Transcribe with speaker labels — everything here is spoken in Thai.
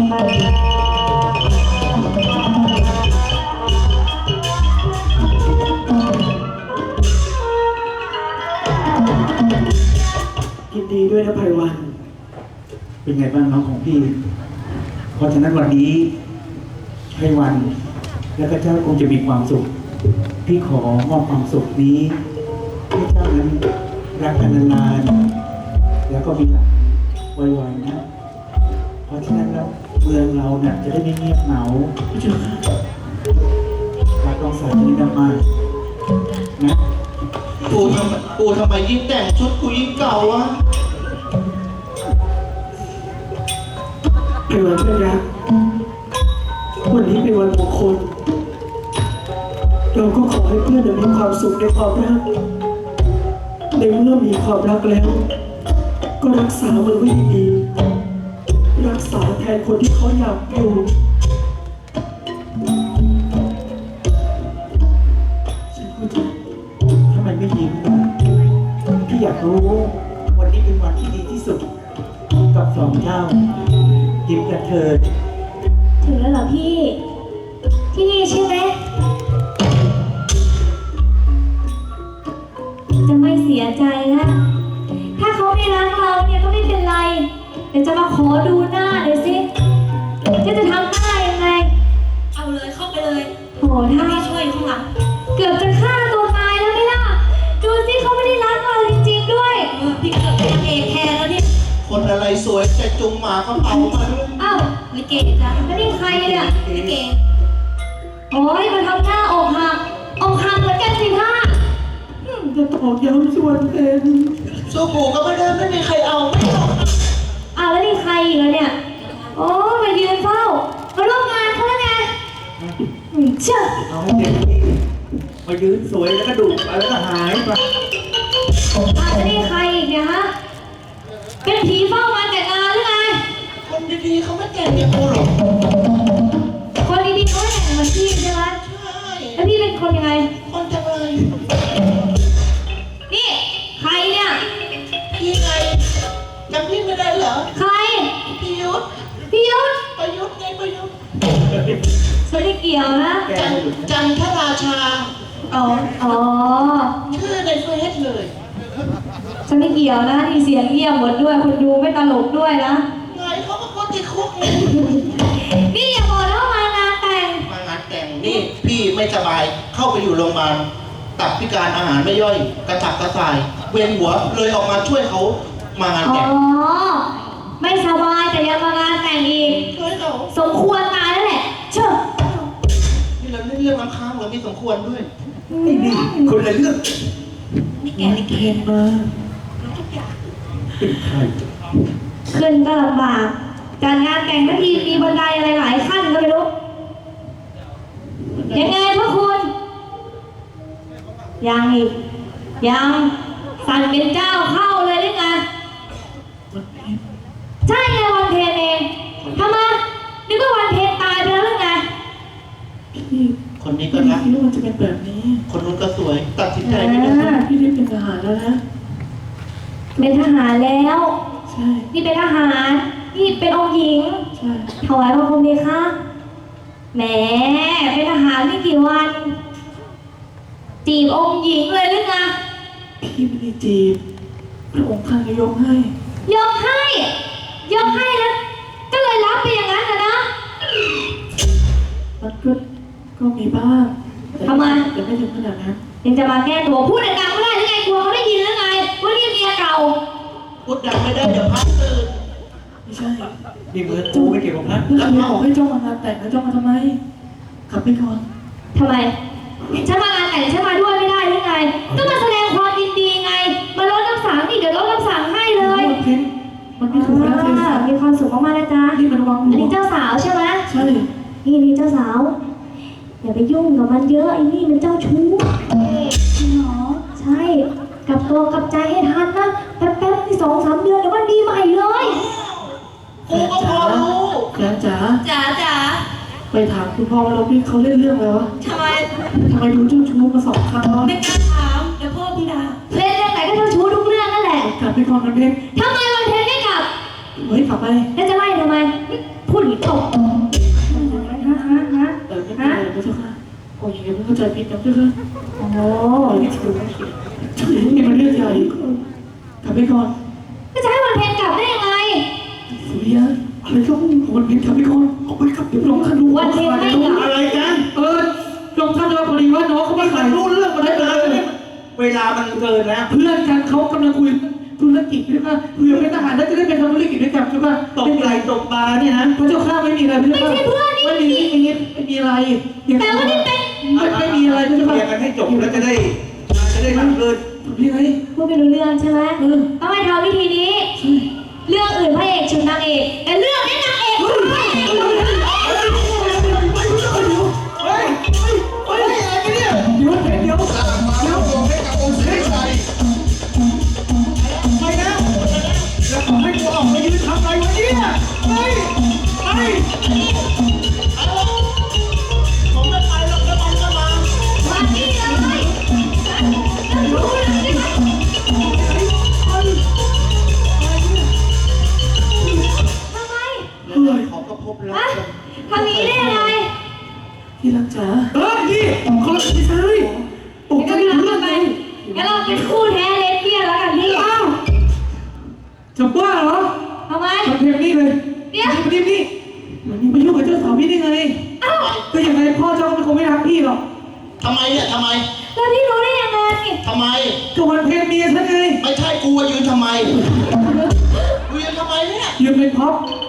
Speaker 1: ยินดีด้วยนะไพวัน เป็นไงบ้างน้องของพี่ เพราะฉะนั้นวันนี้ไพวันและก็เจ้าคงจะมีความสุข พี่ขอมอบความสุขนี้ให้เจ้านั้นรักกันนานๆแล้วก็มีหลานไวๆนะ เพราะฉะนั้นแล้วเมืองเราเนี่ยจะได้ไม่เงียบเหงารักน้องสาวจะได้มากนะ
Speaker 2: ปู่ทำไมยิ่งแต่งชุดกูยิ่งเก่าวะ
Speaker 1: ไพวันเพื่อนรักวันนี้เป็นวันมงคลเราก็ขอให้เพื่อนมีความสุขในความรักในเมื่อมีความรักแล้ว ก็รักษามันไว้ดีๆรักษาแทนคนที่เขาอยากอยู่ฉันเข้าใจทำไมไม่ยิ้มล่ะพี่อยากรู้วันนี้เป็นวันที่ดีที่สุดกับสองเจ้ายิ้มกันเถิด
Speaker 3: ถึงแล้วเหรอพี่ ที่นี่ใช่ไหมจะไม่เสียใจนะถ้าเขาไม่รักเราเนี่ยก็ไม่เป็นไรเดี๋ยวจะมาขอดูหน้าหน่อยสิจะทำหน้ายังไงเอาเลยเข้าไปเลยโหถ้าไม่ช่วยข้างหลังเกือบจะฆ่าตัวตายแล้วไหมล่ะดูสิเขาไม่ได้รักเราจริงๆด้วยพี่เกือบเป็นนางเอกแทนแล้วเนี่ย
Speaker 2: คนอะไรสวยจะจุงหมาเขาเป่ามาด้วย
Speaker 3: อ้าวลิเกจ้ะแล้วนี่ใครเนี่ยลิเกโอ้ยมาทำหน้าอกหักเหมือนกันสิท่า
Speaker 1: จะตอกย้ำส่วนเพน
Speaker 2: สู้ปู่ก็ไม่ได้ไม่มีใครเอาไม่เอา
Speaker 3: อ้าวแล้วนี่ใครอีกแล้วเนี่ยโอ้มายืนเฝ้ามาร่วมงานเขาแล้วไงเชื่อ
Speaker 1: เอาให้เด็กนี่มายืนสวยแล้วก็ดุไปแล้วก็หายไป
Speaker 3: อ้าวแล้วนี่ใครอีกเนี่ยฮะเป็นผีเฝ้างานแต่งงานหรือไง
Speaker 2: คนดีๆเขาไม่แต่งอย่างกูหรอก
Speaker 3: คนดีๆเขาแต่งงานพี่ใช่ไหม
Speaker 2: ใช่
Speaker 3: แล้วพี่เป็นคนยังไง
Speaker 2: คนจังเลย
Speaker 3: นี่ใครเนี่ย
Speaker 2: พี่ไงจำพี่ไม่ได้เหรอ
Speaker 3: ใคร
Speaker 2: พี่ยุทธ
Speaker 3: พี่ยุทธ
Speaker 2: ประยุทธ์ไงประยุทธ์
Speaker 3: ไม่ได้เกี่ยวนะ
Speaker 2: จันทราชา
Speaker 3: อ๋อ
Speaker 2: ชื่อในเฟซเลย
Speaker 3: ฉันไม่เกี่ยวนะที่เสียงเงียบหมดด้วยคนดูไม่ตลกด้วยนะ
Speaker 2: ไงเขาก็ติดคุกไง
Speaker 3: นี่อย่าบอกนะว่ามางานแต่ง
Speaker 2: มางานแต่งนี่พี่ไม่สบายเข้าไปอยู่โรงพยาบาลตับพิการอาหารไม่ย่อยกระตับกระส่ายเวียนหัวเลยออกมาช่วยเขามางาน
Speaker 3: อ๋อ
Speaker 2: แต่ง
Speaker 3: ไม่สบายแต่ยังมางานแต่งอีก
Speaker 2: ช่วยเขา
Speaker 3: สมควรตายแล้วแหละเชื่อ
Speaker 2: นี่เราเล่นเรื่องน้ำค้างเราไม่สมควรด้วย
Speaker 1: ไอ้นี่คนละเรื่อง
Speaker 3: นี่แกลิเก
Speaker 1: มาเป็นใคร
Speaker 3: ขึ้นก็ลำบากจัดงานแต่งทั้งทีมีบันไดอะไรหลายขั้นก็ไม่รู้ยังไงพวกคุณยังอีกยังสั่นเป็นเจ้าเข้าเลยหรือไงใช่ไงวันเพ็ญเองทำไมนึกว่าวันเพ็ญตายไปแล้วหรือไง
Speaker 2: คนนี้ก็รัก
Speaker 1: พี่รู้ว่าจะเป็นแบบนี้
Speaker 2: คนนู้นก็สวย ตัดสินใจไม่ได้
Speaker 1: พี่ได้เป็นทหารแล้วนะ
Speaker 3: เป็นทหารแล้ว
Speaker 1: ใช่
Speaker 3: นี่เป็นทหารนี่เป็นองค์หญิง
Speaker 1: ใช่
Speaker 3: ถวายบังคมดีคะแหมเป็นทหารไม่กี่วัน จีบองค์หญิงเลยหรือไง
Speaker 1: พี่ไม่ได้จีบพระองค์ท่านก็ยกให้
Speaker 3: ยกให้แล้ว ก็เลยรับไปอย่างนั้นนะ
Speaker 1: มันก็มีบ้างแต่
Speaker 3: ทำไม
Speaker 1: แต่ไม่ถึงขนาดนั้น
Speaker 3: ยังจะมาแก้ตัวพูดดังๆไม่ได้หรือไงกลัวเขาได้ยินหรือไงว่านี่เมียเก่า
Speaker 2: พูดดังไม่ได้เดี๋ยวพักตื่น
Speaker 1: ไม่ใช่นี่เหมือนกูไม่เกี่ยวกับนั้นแล้วใครบอกให้เจ้ามางานแต่งแล้วเจ้ามาทำไมกลับไปก่อน
Speaker 3: ทำไมฉันมางานแต่งฉันมาด้วยไม่ได้หรือไงก็มาแสดงความยินดีไงมาลดน้ำสังนี่เดี๋ยวลดน้ำสังให้เลย
Speaker 1: มันเป็นมันไม่ถูกแล้วเลย
Speaker 3: มีความสุขมากๆนะจ๊ะ
Speaker 1: นี่มันวาง
Speaker 3: อันนี้เจ้าสาวใช่ไหม
Speaker 1: ใช่
Speaker 3: นี่เจ้าสาว อย่าไปยุ่งกับมันเยอะไอ้นี่มันเจ้าชู้จริงเหรอใช่กลับตัวกลับใจให้ทันนะแป๊บๆที่2-3 เดือนเดี๋ยวมันดีใหม่เลย
Speaker 2: กูก็พอรู้
Speaker 1: จ๋า
Speaker 3: จ๋า
Speaker 1: ไปถามคุณพ่อว่าเราพี่เขาเล่นเรื่องอะไรวะ
Speaker 3: ทำไม
Speaker 1: ทำไมดูเจ้าชู้มา2 ครั้งแล้ว
Speaker 3: ไม่กล้าถามเดี๋ยวพ่อพี่ด่าเล่นเรื่องไหนก็เจ้าชู้ทุกเรื่องนั่นแหละ
Speaker 1: กลับไปก่อนนะเพน
Speaker 3: ทำไมวันเพ็ญไม่กลับ
Speaker 1: เฮ้ยกลับไป
Speaker 3: แล้วจะไล่ทำไมพูดอีกตบ
Speaker 1: ใจผิดกับเพื่อน
Speaker 3: โอ้โห
Speaker 1: นี่ถือว่านี่มันเรื่องใหญ่กลับไปก่อน
Speaker 3: ก็จะให้วันเพ็ญกลับได้ยังไง
Speaker 1: สุริยะอะไรต้องวันเพ็ญกลับไปก่อนออกไปกลับเดี๋ยวลงท่านดู
Speaker 3: วันเพ็ญไม่กลับ
Speaker 2: อะไรกัน
Speaker 1: ลงท่านดูพอดีว่าน้องเขาไม่ขายรู้เรื่องมาได้เลย
Speaker 2: เวลามันเกินแล้ว
Speaker 1: เพื่อนกันเขากำลังคุยธุรกิจด้วยค่ะเพื่อเป็นทหารแล้วจะได้ไปทำธุรกิจด้วยกันใช่ป่ะ
Speaker 2: ตกไหลตกปลาเนี่ยนะ
Speaker 1: พระเจ้าข้าไม่มีอะไรพระเจ้าข้าไม่มีอะไร
Speaker 3: แต่ว่านี่เป็น
Speaker 1: ไม่มีอะไรพระเจ้า
Speaker 2: เคลี
Speaker 1: ข้าย
Speaker 2: ร์กันให้จบแล้วจะได้ทำเกิน
Speaker 1: พี่ไง
Speaker 3: พูดไม่รู้เรื่องใช่ไหมต้องให้ทำวิธีนี้ เรื่องอื่นพระเอกชุดนางเอกแต่เรื่องนี้นางเอกชุดพระเอก
Speaker 2: เฮ้ยอะไรเนี่ย
Speaker 1: เดี๋ยว
Speaker 2: ไปนะแล้วให้กูออกมายืนทำอะไรวะเนี่ยไปผมไม่ไปหรอกแล้วมันก็มา
Speaker 3: มาที่เลยรู้เลยใช่ไหมทำไม
Speaker 2: ขอก็พบแล้ว
Speaker 3: ฮะทำอย่างนี้ได้ยังไง
Speaker 1: ที่รักจ๋าพี่เขาไม่ใช่โอ้
Speaker 3: งั้นก็
Speaker 1: ไม่
Speaker 3: ไม่
Speaker 1: รู้
Speaker 3: รัก
Speaker 1: เรื่อง
Speaker 3: ไป
Speaker 1: ไง
Speaker 3: งั้นเราเป็นคู่แท้เลสเบี้ยนแล้วกันพี่
Speaker 1: อ้าวจะบ้าเหรอ
Speaker 3: ทำไม
Speaker 1: ทำเพลงนี้เลย
Speaker 3: เดี๋ยว
Speaker 1: นี่มันนี่ไปยุ่งกับเจ้าสาวพี่ได้ไง
Speaker 3: อ้าว
Speaker 1: ก็ยังไงพ่อเจ้าก็คงไม่รักพี่หรอก
Speaker 2: ทำไมเนี่ยทำไม
Speaker 3: แล้วพี่รู้ได้ยังไง
Speaker 2: ทำไม
Speaker 1: ก็วันเพลงเมียฉันไง
Speaker 2: ไม่ใช่กูยืนทำไมกูยืนทำไมเนี่ย
Speaker 1: ยืนเป็นพ็อป